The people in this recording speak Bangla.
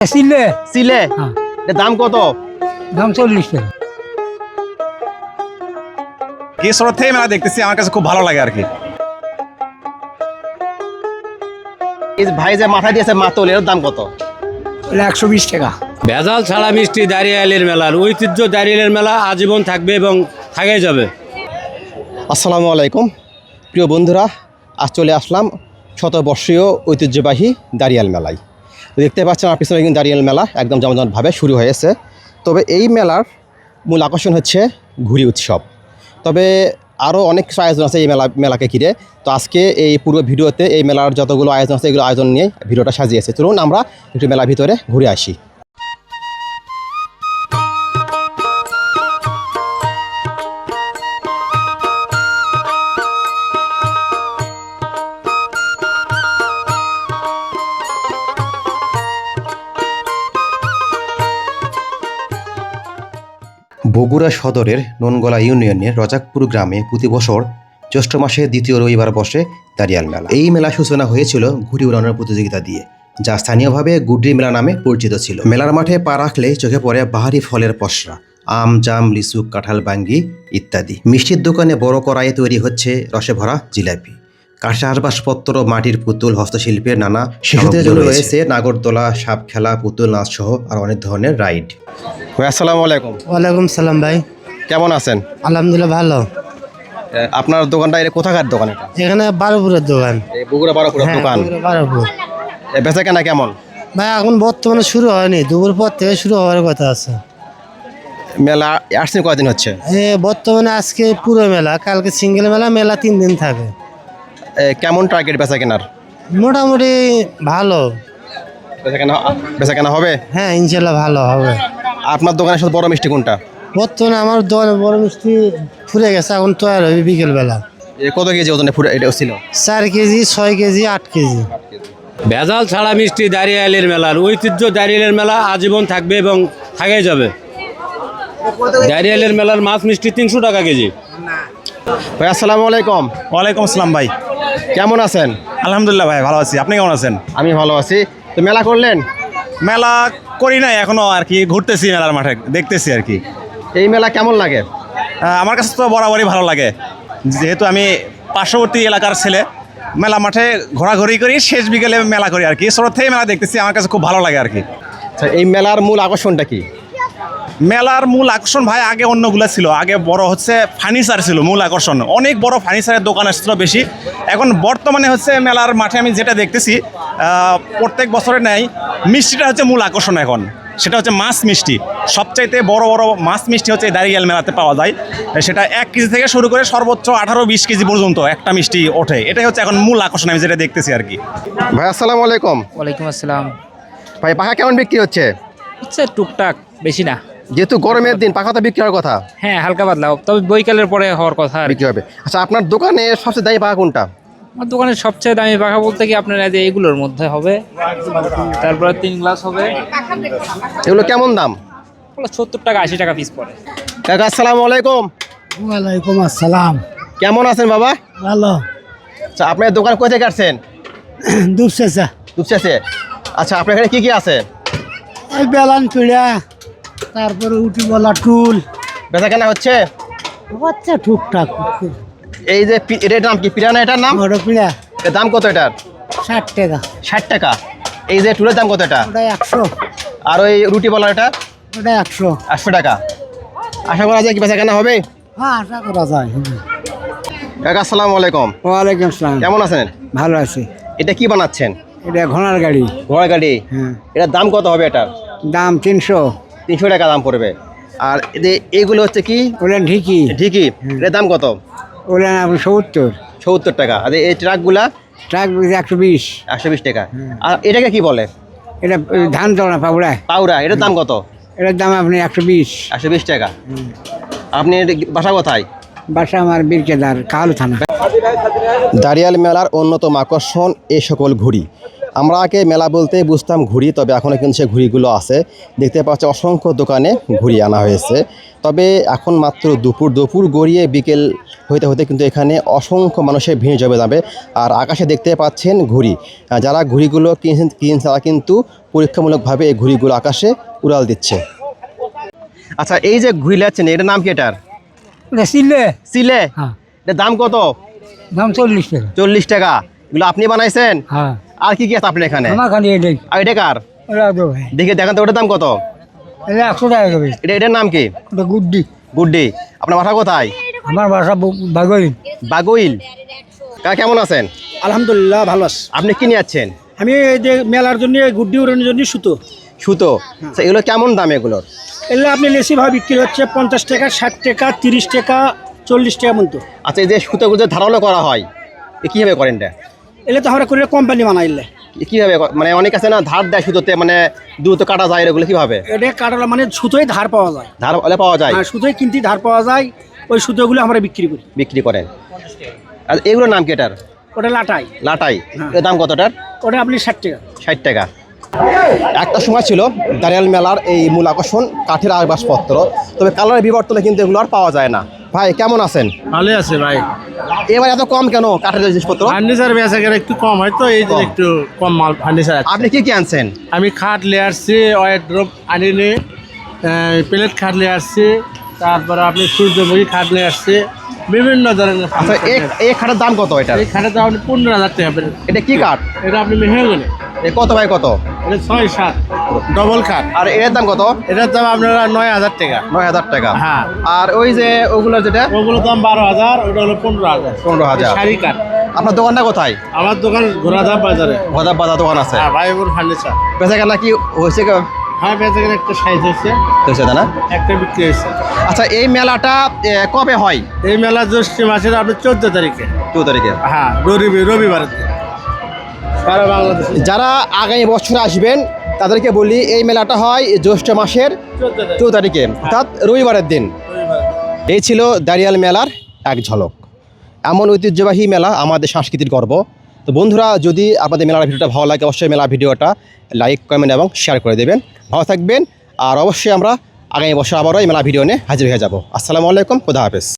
সিলে সিলে হ্যাঁ। এর দাম কত? দাম 40 টাকা। কেশর থেকে মেলা দেখতেছি, আমার কাছে খুব ভালো লাগে আর কি। এই যে ভাই যে মাথায় দিয়েছে মাতল, এর দাম কত? 120 টাকা। ভেজাল ছাড়া মিষ্টি দাঁড়িয়ালের মেলার ঐতিহ্য, দাঁড়িয়ালের মেলা আজীবন থাকবে এবং থাকাই যাবে। আসসালামু আলাইকুম প্রিয় বন্ধুরা, আজ চলে আসলাম শতবর্ষীয় ঐতিহ্যবাহী দাঁড়িয়াল মেলায়। দেখতে পাচ্ছেন আমার পিছনে কিন্তু দাঁড়িয়াল মেলা একদম জমজমাটভাবে শুরু হয়েছে। তবে এই মেলার মূল আকর্ষণ হচ্ছে ঘুড়ি উৎসব। তবে আরও অনেক কিছু আয়োজন আছে এই মেলাকে ঘিরে। তো আজকে এই পুরো ভিডিওতে এই মেলার যতগুলো আয়োজন আছে এগুলো আয়োজন নিয়ে ভিডিওটা সাজিয়েছে। চলুন আমরা একটু মেলার ভিতরে ঘুরে আসি। বগুড়া সদরের ননগলা ইউনিয়নের রজাকপুর গ্রামে প্রতি বছর জ্যৈষ্ঠ মাসে দ্বিতীয় রবিবার বসে দাঁড়িয়াল মেলা। এই মেলা সূচনা হয়েছিল ঘুড়ি উড়ানোর প্রতিযোগিতা দিয়ে, যা স্থানীয়ভাবে গুড্রি মেলা নামে পরিচিত ছিল। মেলার মাঠে পা রাখলে চোখে পড়ে বাহারি ফলের পসরা, আম, জাম, লিচু, কাঁঠাল, বাঙ্গি ইত্যাদি। মিষ্টির দোকানে বড় কড়াইয়ে তৈরি হচ্ছে রসে ভরা জিলাপি। কাঁচা আসবাবপত্র, মাটির পুতুল, হস্তশিল্পের নানা শিশুদের জন্য রয়েছে নাগরদোলা, সাপ খেলা, পুতুল নাচ সহ আর অনেক ধরনের রাইড। আসসালামু আলাইকুম। ওয়ালাইকুম সালাম ভাই, কেমন আছেন? আলহামদুলিল্লাহ ভালো। আপনার দোকানটা এটা কোথাকার দোকান? এটা এখানে বারোপুরের দোকান। এই বগুড়া বারোপুরের দোকান। বারোপুর বেচা কেনা কেমন? ভাই এখন বর্তমানে শুরু হয়নি, দুপুর পর থেকে শুরু হওয়ার কথা আছে। মেলা আসছেন কয়দিন হচ্ছে? বর্তমানে আজকে পুরো মেলা, কালকে সিঙ্গেল মেলা, মেলা 3 দিন থাকে। কেমন টার্গেট বেচা কেনার? মোটামুটি ভালো। বেচা কেনা হবে? হ্যাঁ ইনশাল্লাহ ভালো হবে। আপনার দোকানের সাথে বড় মিষ্টি কোনটা? বর্তমানে আমার দোকানে বড় মিষ্টি ফুরে গেছে, এখন তৈরি হবে বিকেল বেলা। কত কেজি ওজনে এটা ছিল? 4 কেজি, 6 কেজি, 8 কেজি। ভেজাল ছাড়া মিষ্টি দাঁড়িয়ালের মেলার ঐতিহ্য, দাঁড়িয়ালের মেলা আজীবন থাকবে এবং থাকাই যাবে। দাঁড়িয়ালের মেলার মাছ মিষ্টি 300 টাকা কেজি। ভাই আসসালামু আলাইকুম। ওয়ালাইকুম আসসালাম ভাই, কেমন আছেন? আলহামদুলিল্লাহ ভাই ভালো আছি। আপনি কেমন আছেন? আমি ভালো আছি। তো মেলা করলেন? মেলা করি নাই এখনো আর কি, ঘুরতেছি মেলার মাঠে, দেখতেছি আর কি। এই মেলা কেমন লাগে? আমার কাছে তো বরাবরই ভালো লাগে, যেহেতু আমি পার্শ্ববর্তী এলাকার ছেলে। মেলা মাঠে ঘোরাঘুরি করি, শেষ বিকেলে মেলা করি আর কি। ছোট থেকে মেলা দেখতেছি, আমার কাছে খুব ভালো লাগে আর কি। আচ্ছা, এই মেলার মূল আকর্ষণটা কি? মেলার মূল আকর্ষণ ভাই আগে অন্যগুলো ছিল, আগে বড় হচ্ছে ফার্নিচার ছিল মূল আকর্ষণ, অনেক বড় ফার্নিচারের দোকান আসছিল বেশি। এখন বর্তমানে হচ্ছে মেলার মাঠে আমি যেটা দেখতেছি, প্রত্যেক বছরে নেয় মিষ্টিটা হচ্ছে মূল আকর্ষণ এখন। সেটা হচ্ছে মাছ মিষ্টি, সবচাইতে বড় বড় মাছ মিষ্টি হচ্ছে এই দাঁড়িয়াল মেলাতে পাওয়া যায়। সেটা 1 কেজি থেকে শুরু করে সর্বোচ্চ 18-20 কেজি পর্যন্ত একটা মিষ্টি ওঠে। এটাই হচ্ছে এখন মূল আকর্ষণ আমি যেটা দেখতেছি আর কি। ভাই আসসালামু আলাইকুম। ওয়ালাইকুম আসসালাম। ভাই পাখা কেমন বিক্রি হচ্ছে? হচ্ছে টুকটাক, বেশি না। যেহেতু গরমের দিন পাখা তো বিক্রি হওয়ার কথা। হ্যাঁ হালকা পাতলা, তবে বৈকালের পরে হওয়ার কথা আর কি। বিক্রি হবে। আচ্ছা, আপনার দোকানে সবচেয়ে দামি পাখা কোনটা? আমার দোকানের সবচেয়ে দামি পাখা বলতে কি আপনার এই যে এগুলোর মধ্যে হবে, তারপরে 3 গ্লাস হবে। এগুলো কেমন দাম? 70 টাকা 80 টাকা পিস পড়ে। কাকা আসসালামু আলাইকুম। ওয়ালাইকুম আসসালাম। কেমন আছেন বাবা? ভালো। আচ্ছা, আপনার দোকান কোথা থেকে আসছেন? দুপসেসা। দুপচাচে। আচ্ছা, আপনার এখানে কি কি আছে? এই বেলান পিড়া, তারপরে উঠি বলা টুল, বেচা কেনা হচ্ছে? বাচ্চা টুকটাক। এই যে এটার নাম কি? পিরানা এটার নাম? বড় পিড়া এর দাম কত এটার? 60 টাকা। 60 টাকা। এই যে টুলের দাম কত এটা? ওটা 100। আর ওই রুটি বলার এটা? ওটা 100। 800 টাকা। আশা করা যায় কি বেচা কেনা হবে? হ্যাঁ আশা করা যায়। কাকা আসসালামু আলাইকুম। ওয়ালাইকুম আসসালাম। কেমন আছেন? ভালো আছি। এটা কি বানাচ্ছেন? এটা ঘোড়ার গাড়ি। ঘোড়া গাড়ি। হ্যাঁ। এটার দাম কত হবে এটার? দাম 300। 300 টাকা দাম পড়বে। আর এইগুলো হচ্ছে কি? ওটা ঢিকি। ঠিকই। এটার দাম কত? ওটা আপনি 70। 70 টাকা। আর এই ট্রাকগুলা? ট্রাক 120। 120 টাকা। আর এটাকে কি বলে? এটা ধান চড়া পাউড়া। পাউরা। এটার দাম কত? এটার দাম আপনি 120। 120 টাকা। আপনি বাসা কোথায়? বাসা আমার বীরকেদার, কালু থানা। দাঁড়িয়াল মেলার অন্যতম আকর্ষণ এই সকল ঘুড়ি। আমরা আগে মেলা বলতে বুঝতাম ঘুড়ি, তবে এখনও কিন্তু সে ঘুড়িগুলো আছে। দেখতে পাচ্ছি অসংখ্য দোকানে ঘুড়ি আনা হয়েছে। তবে এখন মাত্র দুপুর গড়িয়ে বিকেল হইতে হতে কিন্তু এখানে অসংখ্য মানুষের ভিড় জমে যাবে। আর আকাশে দেখতে পাচ্ছেন ঘুড়ি, যারা ঘুড়িগুলো কিনছে তারা কিন্তু পরীক্ষামূলকভাবে এই ঘুড়িগুলো আকাশে উড়াল দিচ্ছে। আচ্ছা, এই যে ঘুড়ি লাচ্ছেন, এটার নাম কি? এটার সিলে সিলে। হ্যাঁ। এটার দাম কত? দাম 40 টাকা। 40 টাকা। এগুলো আপনি বানাইছেন? হ্যাঁ, আর কি কি আছে আপনার এখানে? আমার খালি এটাই। আর এটা কার? ওটা তো ভাই, দেখে দেখান তো, ওটার দাম কত? এটা 100 টাকা হবে। এটার নাম কি? ওটা গুড্ডি। গুড্ডি। আপনার বাসা কোথায়? আমার বাসা বাগইল। বাগুইল। কাকা কেমন আছেন? আলহামদুলিল্লাহ ভালো আছি। আপনি কি নিয়েছেন? আমি এই যে মেলার জন্য গুড্ডি উড়ানোর জন্য সুতো, সুতো। আচ্ছা, এগুলো কেমন দাম এগুলোর? এগুলো আপনি লেসি ভাবে বিক্রি হচ্ছে 50 টাকা, 60 টাকা, 30 টাকা, 40 টাকা মতো। আচ্ছা, এই যে সুতোগুলো যে ধারালো করা হয়, এ কীভাবে করেন এটা? এগুলো তো আমরা করে কোম্পানি বানাইলে, কীভাবে মানে অনেক আছে না ধার দেয় সুতোতে, মানে দ্রুত কাটা যায়, এগুলো কীভাবে? এটা কাটালা মানে সুতোই ধার পাওয়া যায়। ধার হলে পাওয়া যায়, হ্যাঁ, সুতোই কিনতে ধার পাওয়া যায়। ওই সুতোগুলো আমরা বিক্রি করি। বিক্রি করেন। আর এগুলোর নাম কি এটার? ওটা লাটাই। লাটাই। এর দাম কতটার? ওটা আপনি 60 টাকা। 60 টাকা। একটা সময় ছিল দাঁড়িয়াল মেলার এই মূল আকর্ষণ কাঠের আসবাবপত্র, তবে কালারের বিবর্তনে কিন্তু এগুলো আর পাওয়া যায় না। ভাই কেমন আছেন? ভালো আছে ভাই। এবার এত কম কেন কাঠের জিনিসপত্র? ফার্নিচার বেচা গেলে একটু কম হয় তো, এই যে একটু কম মাল ফার্নিচার আছে। আপনি কি কি আনছেন? আমি খাট নিয়ে আসছি, ওয়ারড্রপ আনিনি, প্লেট খাট নিয়ে আসছি, তারপরে আপনি সূর্যমুখী খাট নিয়ে আসছি, বিভিন্ন ধরনের। আচ্ছা, এই খাটের দাম কত? এটা এই খাটের দাম আপনি 15,000 টাকা পেলেন। এটা কি কাঠ? এটা আপনি মেহগনি। কত ভাই কত? এটা 6-7 ডবল খাট। আর এর দাম কত? এটার দাম আপনারা 9,000 টাকা। 9,000 টাকা। হ্যাঁ। আর ওই যে ওগুলো যেটা ওগুলোর দাম 12,000, ওটা হলো 15,000। 15,000। শাড়ি কাঠ। আপনার দোকানটা কোথায়? আমার দোকান ঘোড়াধাপ বাজারে। গদাব বাজার দোকান আছে। হ্যাঁ, ভাইপুর ফার্নিচার। বেচা কেনা কি হয়েছে? হ্যাঁ, বেচা গেলে একটা সাইজ হয়েছে, হয়েছে না? একটা বিক্রি হয়েছে। আচ্ছা, এই মেলাটা কবে হয়? এই মেলা জ্যৈষ্ঠ মাসের আপনি 14 তারিখে। 2 তারিখে। হ্যাঁ, রবিবারের দিন সারা বাংলাদেশে। যারা আগামী বছর আসবেন তাদেরকে বলি, এই মেলাটা হয় জ্যৈষ্ঠ মাসের 2 তারিখে, অর্থাৎ রবিবারের দিন। এই ছিল দাঁড়িয়াল মেলার এক ঝলক। এমন ঐতিহ্যবাহী মেলা আমাদের সংস্কৃতির গর্ব। তো বন্ধুরা, যদি আপনাদের মেলার ভিডিওটা ভালো লাগে, অবশ্যই মেলা ভিডিওটা লাইক, কমেন্ট এবং শেয়ার করে দেবেন। ভালো থাকবেন। আর অবশ্যই আমরা আগামী বছর আবারও এই মেলা ভিডিও নিয়ে হাজির হয়ে যাব। আসসালামু আলাইকুম, খুদা হাফেজ।